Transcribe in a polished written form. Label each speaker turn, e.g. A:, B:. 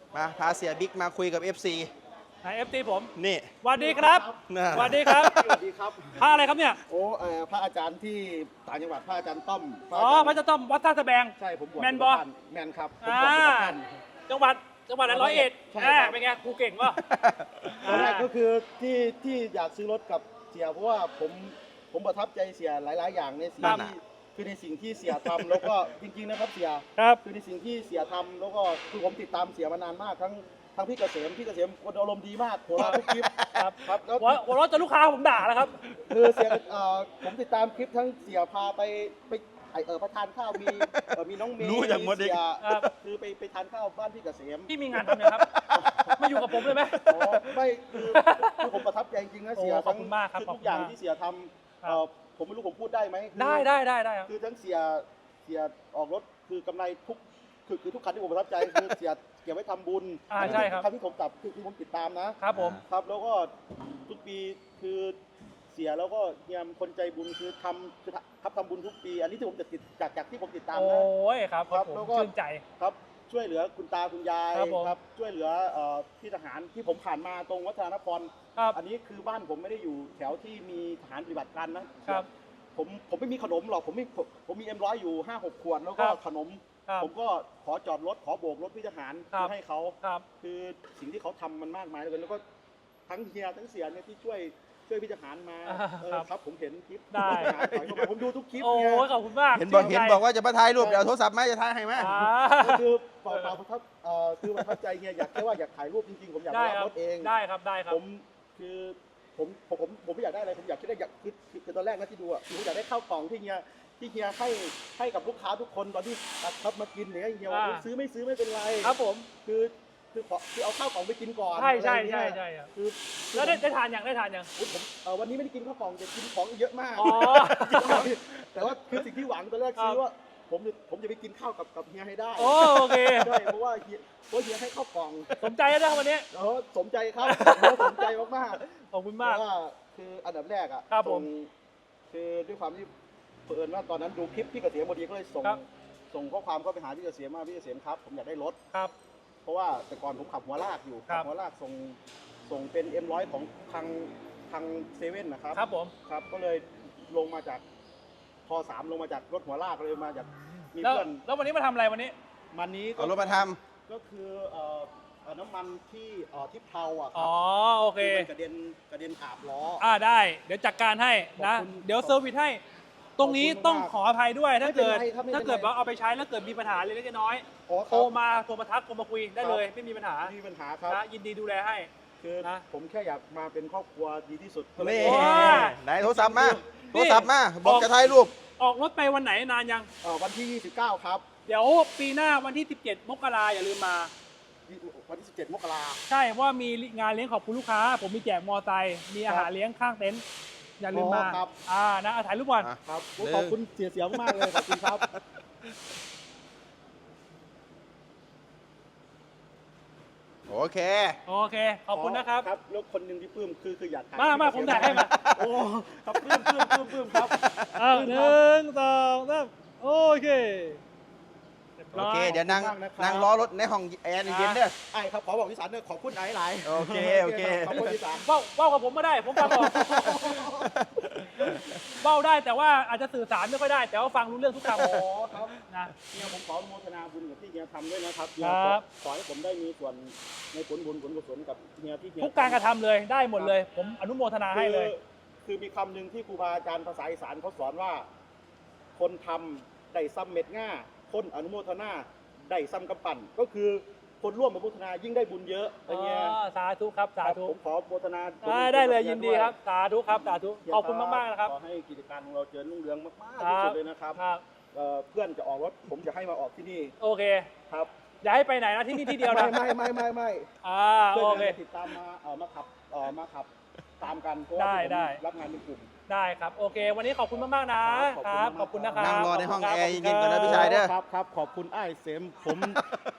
A: มาพาเสียบิ๊กมาคุยกับ FC
B: นายFT ผม
A: นี่
B: สวัสดีครับ
A: น่ะ
B: สวัสดีครับ
C: สวัสดีครับ
B: พระอะไรครับเนี่ย
C: โอ้พระอาจารย์ที่ต่างจังหวัดพระอาจารย์ต้อม
B: อ๋อพระเจ้าต้อมวัดท่าสะแบง
C: ใช่ผมบวช
B: แมนบอ
C: อยู่กับท่านแมนครับผมบวชอยู่กับท่าน
B: จังหวัดอะไร101
C: ใช่ครับ
B: เป็นไงครูเก่งวะ
C: ตอนแรกก็คือที่อยากซื้อรถกับเสียเพราะว่าผมประทับใจเสียหลาย ๆ อย่างในสิ่ง
A: ครับ
C: ที่คือในสิ่งที่เสียทำแล้วก็จริง ๆ นะครับเสีย
B: ครับ
C: คือในสิ่งที่เสียทำแล้วก็คือผมติดตามเสียมานานมากทั้งพี่เกษมคนอารมณ์ดีมากหัวเราะทุกคลิป
B: ครับ
C: ครับแล้ว
B: หัวเราะจนลูกค้าผมด่าแล้วครับ
C: คือเสียผมติดตามคลิปทั้งเสียพาไปประทานข้าวมีน้องเมย์
A: รู้อย่างหมดเลย
C: เสีย
B: ครับ
C: คือไปทานข้าวบ้านพี่เกษม
B: พี่มีงานทำเนี่ยครับมาอยู่กับผมเลยไหม
C: อ๋อไม่คือผมประทับใจจริงๆนะเสีย
B: โอ้ขอบคุณมากครับ
C: ทุกอย่าง
B: ขอบคุณมาก
C: ที่เสียทำ
B: ครับ
C: ผมไม่รู้ผมพูดได้ไหมคือ
B: ได้ครับ
C: คือทั้งเสียออกรถคือกำไรทุกคือทุกคันที่ผมประทับใจคือเสียเก็บไว้ทำบุญ
B: ใช่ครับ
C: คันที่ผมกลับคือผมติดตามนะครับ
B: ผม
C: ครับแล้วก็ทุกปีคือเสียแล้วก็เฮียมคนใจบุญคือทำบุญทุกปี อันนี้ที่ผมจะติดจากที่ผมติดตาม
B: โอ้
C: นะ
B: ยครับ
C: ครับ
B: ผม
C: แล้วก็
B: ชื่นใจ
C: ครับช่วยเหลือคุณตาคุณยาย
B: ครับผม
C: ครับช่วยเหลือพี่ทหารที่ผมผ่านมาตรงวัฒนคร
B: ครับ
C: อันนี้คือบ้านผมไม่ได้อยู่แถวที่มีทหารปฏิบัติการนะครับ ผมไม่มีขนมหรอกผมมีM100อยู่5-6 ขวดแล้วก็
B: ครับ
C: ขนม
B: ครับ
C: ผมก็ขอจอดรถขอโบกรถพี่ทหาร
B: ครับ
C: ให้เขา
B: ครับ
C: คือสิ่งที่เขาทำมันมากมายเหลยแล้วก็ทั้งเฮียทั้งเสียเนี่ยที่ช่วยพี่ทหารมา
B: ครับ
C: ครับผมเห็นคลิป
B: ได้
C: ทหารถอยเข้ามาผมดูทุกคลิป
B: โอ้
C: เนี่ย
B: ยขอบคุณมาก
A: เห็นบอก
B: ชื่ใจ
A: ว่าจะมาถ่ายรูปเดี๋ยวเอาโทรศัพท์มาจะถ่ายให้ไหม
B: อ่า
C: ก็คือเปล่าประทับคือประทับใจเฮียอยากแค่ว่าอยากถ่ายรูปจริงๆผมอยาก
B: ได้
C: ไป
B: ค
C: รั
B: รั
C: บบ รถเอง
B: ได้ครับได้ครับ
C: ผมคือผมไม่อยากได้อะไรผมอยากคือตอนแรกนะที่ดูอ่ะผมอยากได้ข้าวกล่องที่เฮียให้กับลูกค้าทุกคนตอนที่ครับมากินเนี่ยเฮียว่าซื้อไม่ซื้อไม่เป็นไร
B: ครับผม
C: คือเอาข้าวกล่องไปกินก่อน
B: ใช่
C: อะไรอย่างเงี้ย
B: ใช่ครับ
C: คือ
B: แล้วได้ทานอย่าง
C: อุ๊ยผมวันนี้ไม่ได้กินข้าวกล่องแต่กินของเยอะมาก
B: อ๋อ
C: แต่ว่าคือสิ่งที่หวังตอนแรก
B: ครับ
C: คือว่าผมจะไปกินข้าวกับเฮียให้ได้
B: โอเค
C: ใช่เพราะว่าเฮียให้ข้าวกล่อง
B: สมใจแล้วนะครับวันนี้
C: สมใจครับสมใจมาก
B: ขอบคุณ
C: ๆ
B: มาก
C: เพราะว่าคืออันดับแรกอ่ะ
B: ครับผม
C: คือด้วยความที่เผอิญว่าตอนนั้นดูคลิปพี่เกษมพอดีก็เลย
B: ครับ
C: ส่งข้อความเข้าไปหาพี่เกษมว่าพี่เกษมครับผมอยากได้รถ
B: ครับ
C: เพราะว่าแต่ก่อนผมขับหัวลากอยู่
B: ครั
C: ขั
B: บ
C: หัวลากส่งเป็น M100 ของทางเซเว่นนะครับ
B: ครับผม
C: ครับก็เลยลงมาจากพ3ลงมาจากรถหัวลากเลยมาจากมี
B: แล้ว
C: เพื่อน
B: แล้ววันนี้มาทำอะไรวันนี้
C: มันนี้
A: เอารถมาท
C: ก็คือน้ำมันที่ทิพเทาอ่ะค
B: อ๋
C: รั
B: อโอเค
C: มันกระเด็นอาบล้อ
B: ได้ เดี๋ยวจัดการให้นะ
C: ขอบคุณ
B: เดี๋ยวเซอร์วิสให้ ตรงนี้
C: ขอบคุณมาก
B: ต้องขออภัยด้วยถ้าเกิด
C: ไม่เป็นไรครับไม่เป็นไร
B: ถ้าเกิดว่าเอาไปใช้แล้วเกิดมีปัญหาเล็กๆน้อย
C: อ๋อ
B: ๆ
C: ค
B: โทร
C: รับ
B: มาทักโทรมาคุยได้เลย ไม่มีปัญหา
C: ไม่มีปัญหาครับ
B: นะยินดีดูแลให้
C: คือ
B: นะ
C: ผมแค่อยากมาเป็นครอบครัวดีที่สุด
A: ำนี่
B: โอ้ย
A: ไหนโทรศัพท์มาโทรศัพท์มาบอกจะถ่ายรูป
B: ออกรถไปวันไหนนานยัง
C: วันที่ 29 ครับ
B: เดี๋ยวปีหน้าวันที่ 17 มกราอย่าลืมมา
C: วันที่ 17 มกรา
B: ใช่เพราะว่ามีงานเลี้ยงขอบคุณลูกค้า ผมมีแจกมอไซค์มีอาหารเลี้ยงข้างเต็นท์อย่าลืมมา
C: ครับ
B: นะถ่ายรูปก่อน
A: อ่ะ
C: ครับขอบคุณเสียมากเลยขอบคุณครับ
A: โอเค
B: โอเค ขอบคุณนะครับ
C: ครับแล้วคนหนึ่งที่ปลื้มคืออยากถ่าย
B: มาผมถ่ายให้มา
C: โอ้ครับปลื้มครับ
B: หนึ่งสองสามโอเครียบ
A: โอ
B: ร้ย
A: เค เดี๋ยวนั่ง
C: ขอบคุณมากนะครับ
A: นั่งล้อรถในห้องแอร์เย็นๆเด้อ
C: ไอ้ครับขอบอกอีสานเนี่ยขอบคุณหลายๆ
A: โอเคโอเค
C: ขอบคุณอีสาน
B: เบ้ากับผมก็ได้ ผมฟังออกเบ้าได้แต่ว่าอาจจะสื่อสารไม่ค่อยได้ แต่ว่าฟังรู้เรื่องทุกคำ
C: อ๋อครับ
B: นะ
C: เนี่ยผมขออนุโมทนาบุญกับที่เฮียทำด้วยนะครับ
B: ครับ
C: ขอให้ผมได้มีส่วนในผลบุญผลกุศลกับเฮียที่เฮีย
B: ทุกการกระทำเลยได้หมดเลย ผมอนุโมทนาให้เลย
C: คือมีคำหนึ่งที่ครูบาอาจารย์ภาษาอีสานเขาสอนว่า คนทำได้ซ้ำเม็ดง่าคนอนุโมทนาได้ซ้ำกำปั่นก็คือคนร่วมอนุโมทนายิ่งได้บุญเยอะอย่างเงี้ย
B: สาธุครับสาธุ
C: ผมขอโมทนา
B: ได้เลยยินดีครับ สาธุครับสาธุขอบคุณมากๆนะครับ
C: ขอให้กิจการของเราเจริญรุ่งเรืองมากๆ
B: ครั
C: ที่
B: บ
C: สุดเลยนะครับ
B: ครับ
C: เพื่อนจะออกรถผมจะให้มาออกที่นี่
B: โอเค
C: ครับ
B: อย่าให้ไปไหนนะที่นี่ที่เดียวนะ
C: ไม่
B: โอ
C: เพื่อน
B: เค
C: จะติดตามมาขับตามกันเพราะว่า
B: ได้
C: ผมรับงานเป็นกลุ่ม
B: ได้ครับโอเค วันนี้ขอบคุณมากๆนะครับ ขอบคุณนะครับ
A: นั่งรอในห้อง
B: ขบ
A: แอร์
B: คุณ
A: เย็นๆก่อนนะ
B: ครับ
A: พี่ชายเด้อ
C: ครับขอบคุณไอ้ายเสม